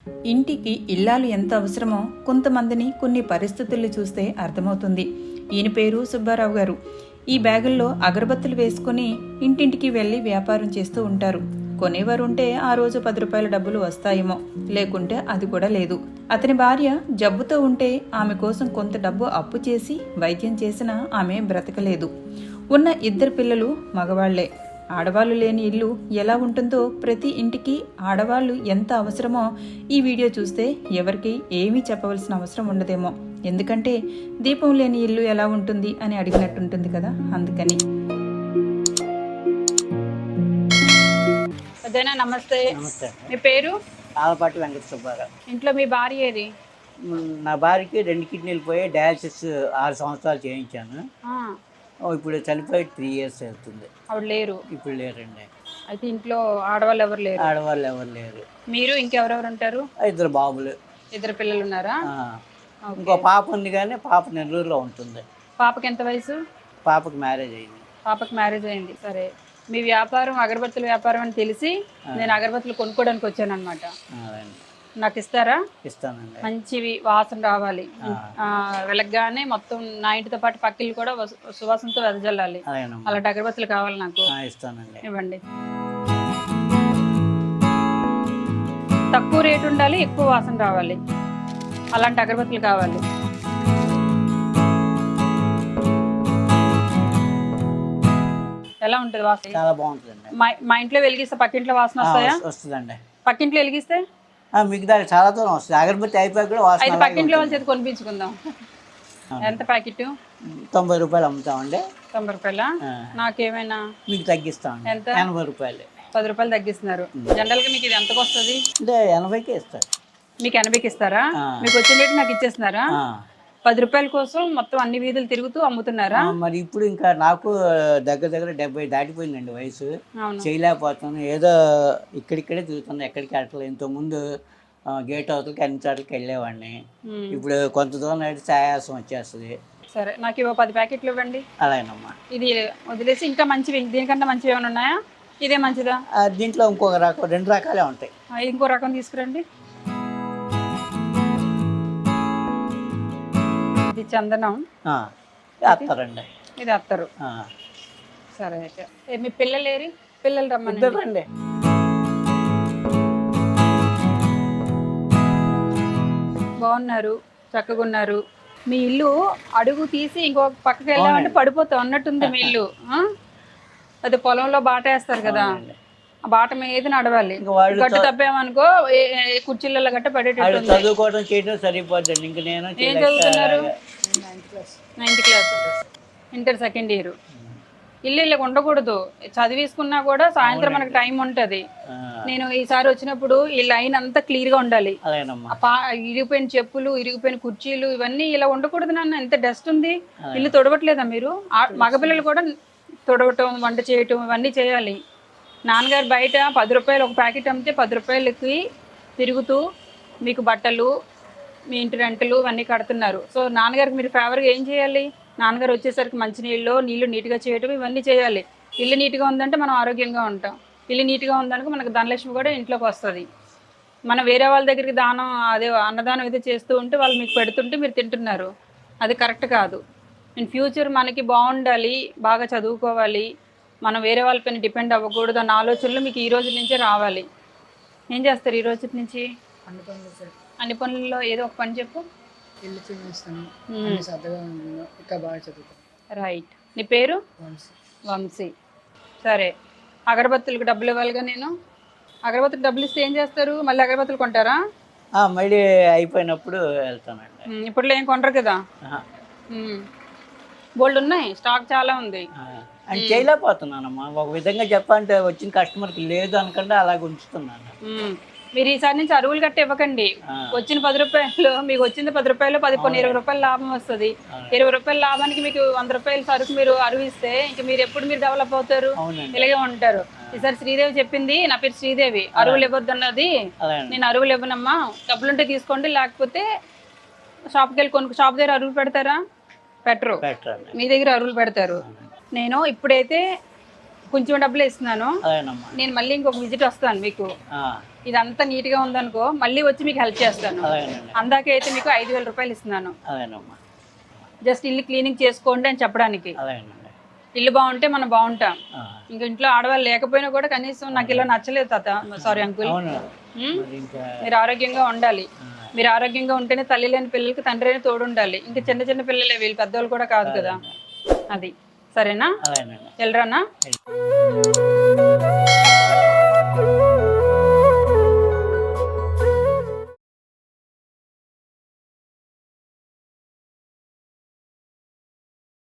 ఇంటికి ఇల్లాలు ఎంత అవసరమో కొంతమందిని కొన్ని పరిస్థితులు చూస్తే అర్థమవుతుంది. ఈయన పేరు సుబ్బారావు గారు. ఈ బ్యాగుల్లో అగరబత్తులు వేసుకుని ఇంటింటికి వెళ్లి వ్యాపారం చేస్తూ ఉంటారు. కొనేవారు ఉంటే ఆ రోజు 10 రూపాయల డబ్బులు వస్తాయేమో, లేకుంటే అది కూడా లేదు. అతని భార్య జబ్బుతో ఉంటే ఆమె కోసం కొంత డబ్బు అప్పు చేసి వైద్యం చేసినా ఆమె బ్రతకలేదు. ఉన్న 2 పిల్లలు మగవాళ్లే. ఆడవాళ్లు లేని ఇల్లు ఎలా ఉంటుందో, ప్రతి ఇంటికి ఆడవాళ్లు ఎంత అవసరమో ఈ వీడియో చూస్తే ఎవరికి ఏమీ చెప్పవలసిన అవసరం ఉండదేమో. ఎందుకంటే దీపం లేని ఇల్లు ఎలా ఉంటుంది అని అడిగినట్టుంటుంది కదా, అందుకని. అదేనా, నమస్తే. మీ పేరు? ఆలపాటి వెంకట సుబ్బారావు. ఇంట్లో మీ భార్య ఏది? నా భార్యకి 2 కిడ్నీలు పోయి డయాలసిస్ 6 సంవత్సరాలు చేయించాను. ఇప్పుడు చనిపోయి 3 ఇయర్స్ అవుతుంది. ఆవిడ లేరు? ఇప్పుడు లేరండి. అయితే ఇంట్లో ఆడవాళ్ళు ఎవరు లేరు? ఆడవాళ్ళు ఎవరు లేరు. మీరు ఇంకెవరెవరు ఉంటారు? 2 బాబులు. 2 పిల్లలు ఉన్నారా? ఇంకో పాప ఉంది, కానీ పాప నెల్లూరులో ఉంటుంది. పాపకి ఎంత వయసు? పాపకి మ్యారేజ్ అయింది. పాపకి మ్యారేజ్ అయింది. సరే, మీ వ్యాపారం అగరబత్తుల వ్యాపారం అని తెలిసి నేను అగరబత్తులు కొనుక్కోవడానికి వచ్చాను అనమాట. నాకు ఇస్తారా? ఇస్తానండి. మంచివి, వాసన రావాలి. వెలగ్గానే మొత్తం నా ఇంటితో పాటు పక్కిళ్ళు కూడా సువాసనతో వెదజల్లాలి. అలాంటి అగరబత్తులు కావాలి నాకు. ఇస్తానండి. ఇవ్వండి. తక్కువ రేటు ఉండాలి, ఎక్కువ వాసన రావాలి. అలాంటి అగరబత్తులు కావాలి. ఎలా ఉంటుంది వాసన? చాలా బాగుంటుందండి. మా ఇంట్లో వెలిగిస్తే పక్కింట్లో వాసన వస్తాయా? వస్తుందండి. పక్కింట్లో వెలిగిస్తే మిగతా చాలా దూరం వస్తుంది. అగరబత్తి అయిపోయి కూడా వాసన. అయితే పక్కింట్లో వాళ్ళ చేతి కొనిపించుకుందాం. ఎంత ప్యాకెట్? 90 రూపాయలు అమ్ముతామండి. 90 రూపాయల? నాకేమైనా మీకు తగ్గిస్తామండి. ఎంత? 80 రూపాయలు. 10 రూపాయలు తగ్గిస్తున్నారు. జనరల్ గా మీకు ఇది ఎంతకు వస్తుంది? అంటే 80కే ఇస్తారు. మీకు 80కి ఇస్తారా? మీకు వచ్చిన రేటు నాకు ఇచ్చేస్తున్నారా? 10 రూపాయల కోసం మొత్తం అన్ని వీధులు తిరుగుతూ అమ్ముతున్నారా? మరి ఇప్పుడు ఇంకా నాకు దగ్గర 70 దాటిపోయిందండి వయసు. చేయలేకపోతున్నాను. ఏదో ఇక్కడిక్కడే తిరుగుతున్నాను, ఎక్కడికి వెళ్ళలేదు. ఇంతకుముందు గేట్ అవతలకి అన్ని చోట్లకి వెళ్ళేవాడిని. ఇప్పుడు కొంత దూరం అయితే ఆయాసం వచ్చేస్తుంది. సరే, నాకు ఇవ్వ 10 ప్యాకెట్లు ఇవ్వండి. అలాగేనమ్మా. ఇది వదిలేసి ఇంకా మంచివి, దీనికంటే మంచివి ఏమైనా ఉన్నాయా? ఇదే మంచిదా? దీంట్లో ఇంకొక రకం, 2 రకాలే ఉంటాయి. ఇంకో రకం తీసుకురండి. ఇది చందనం. అత్తారండి. ఇది అత్తరు. సరే, అయితే మీ పిల్లలు ఏరి? పిల్లలు రమ్మనండి. బాగున్నారు, చక్కగా ఉన్నారు. మీ ఇల్లు అడుగు తీసి ఇంకొక పక్కకి వెళ్ళామంటే పడిపోతాం అన్నట్టుంది మీ ఇల్లు. అదే పొలంలో బాట వేస్తారు కదా, ఆ బాట మీద నడవాలి. గట్టు తప్పామనుకో కుర్చీలలో గట్ట పడేటట్టు. చదువుకోవడం చేయడం సరిపోద్దండి. ఇంక నేను ఏం చదువుతున్నారు? 9th class, inter second year. ఇల్లు ఇలా ఉండకూడదు. చదివేసుకున్నా కూడా సాయంత్రం మనకు టైం ఉంటది. నేను ఈసారి వచ్చినప్పుడు ఈ లైన్ అంతా క్లియర్ గా ఉండాలి. ఇరిగిపోయిన చెప్పులు, ఇరిగిపోయిన కుర్చీలు ఇవన్నీ ఇలా ఉండకూడదు. నాన్న ఎంత డస్ట్ ఉంది. ఇల్లు తొడవట్లేదా మీరు? మగపిల్లలు కూడా తొడవటం, వంట చేయటం ఇవన్నీ చేయాలి. నాన్నగారు బయట 10 రూపాయలు ఒక ప్యాకెట్ అమ్మితే 10 రూపాయలకి తిరుగుతూ మీకు బట్టలు, మీ ఇంటి రెంటలు ఇవన్నీ కడుతున్నారు. సో నాన్నగారికి మీరు ఫేవర్గా ఏం చేయాలి? నాన్నగారు వచ్చేసరికి మంచినీళ్ళు, నీళ్లు నీట్గా చేయటం ఇవన్నీ చేయాలి. ఇల్లు నీట్గా ఉందంటే మనం ఆరోగ్యంగా ఉంటాం. ఇల్లు నీట్గా ఉందనుకో మనకు ధనలక్ష్మి కూడా ఇంట్లోకి వస్తుంది. మనం వేరే వాళ్ళ దగ్గరికి దానం, అదే అన్నదానం ఏదో చేస్తూ ఉంటే వాళ్ళు మీకు పెడుతుంటే మీరు తింటున్నారు. అది కరెక్ట్ కాదు. ఇన్ ఫ్యూచర్ మనకి బాగుండాలి, బాగా చదువుకోవాలి, మనం వేరే వాళ్ళపైన డిపెండ్ అవ్వకూడదు అన్న ఆలోచనలు మీకు ఈ రోజు నుంచే రావాలి. ఏం చేస్తారు ఈ రోజు నుంచి? అన్ని పనుల్లో ఏదో ఒక పని చెప్పు. ఇల్లు చిన్నిస్తాను, ఇంకా బాగా చదువుతాను. రైట్. నీ పేరు? వంశీ. సరే, అగరబత్తులకు డబ్బులు ఇవ్వాలిగా నేను. అగరబత్తులకు డబ్బులు ఇస్తే ఏం చేస్తారు? మళ్ళీ అగరబత్తులు కొంటారా? మళ్ళీ అయిపోయినప్పుడు వెళ్తానండి. ఇప్పుడు ఏం కొంటారు కదా. బోల్డ్ ఉన్నాయి, స్టాక్ చాలా ఉంది. అని చేయలేకపోతున్నానమ్మా. ఒక విధంగా చెప్పాలంటే వచ్చిన కస్టమర్కి లేదు అనకుండా అలాగే ఉంచుతున్నాను. మీరు ఈసారి నుంచి అరువులు గట్ట ఇవ్వకండి. వచ్చిన 10 రూపాయలు మీకు వచ్చింది 10 రూపాయలు, 10 20 రూపాయలు లాభం వస్తుంది. 20 రూపాయల లాభానికి మీకు 100 రూపాయల సరుకు మీరు అరువు ఇస్తే ఇంక మీరు ఎప్పుడు మీరు డెవలప్ అవుతారు, ఇలాగే ఉంటారు. ఈసారి శ్రీదేవి చెప్పింది, నా పేరు శ్రీదేవి, అరువులు ఇవ్వద్దు అన్నది. నేను అరువులు ఇవ్వనమ్మా, డబ్బులుంటే తీసుకోండి, లేకపోతే షాప్కి వెళ్ళి షాప్ దగ్గర అరువులు పెడతారా? పెట్టరు, మీ దగ్గర అరువులు పెడతారు. నేను ఇప్పుడైతే కొంచెం డబ్బులు ఇస్తున్నాను. నేను మళ్ళీ ఇంకొక విజిట్ వస్తాను మీకు. ఇదంతా నీట్గా ఉందనుకో మళ్ళీ వచ్చి మీకు హెల్ప్ చేస్తాను. అలాగేనండి. అందాకే అయితే మీకు 5,000 రూపాయలు ఇస్తున్నాను. అలాగేనమ్మా. జస్ట్ ఇల్లు క్లీనింగ్ చేసుకోండి అని చెప్పడానికి. అలాగేనండి. ఇల్లు బాగుంటే మనం బాగుంటాం. ఆ. ఇంక ఇంట్లో ఆడవాళ్ళు లేకపోయినా కూడా కనీసం నాకు ఇలా నచ్చలేదు తాత, సారీ అంకుల్, అవును. మరి ఇంకా మీరు ఆరోగ్యంగా ఉండాలి. మీరు ఆరోగ్యంగా ఉంటేనే తల్లి లేని పిల్లలకి తండ్రి అయినా తోడు ఉండాలి. ఇంకా చిన్న చిన్న పిల్లలే, వీళ్ళు పెద్దవాళ్ళు కూడా కాదు కదా. అది సరేనా? అలాగేనండి. వెళ్ళరానా?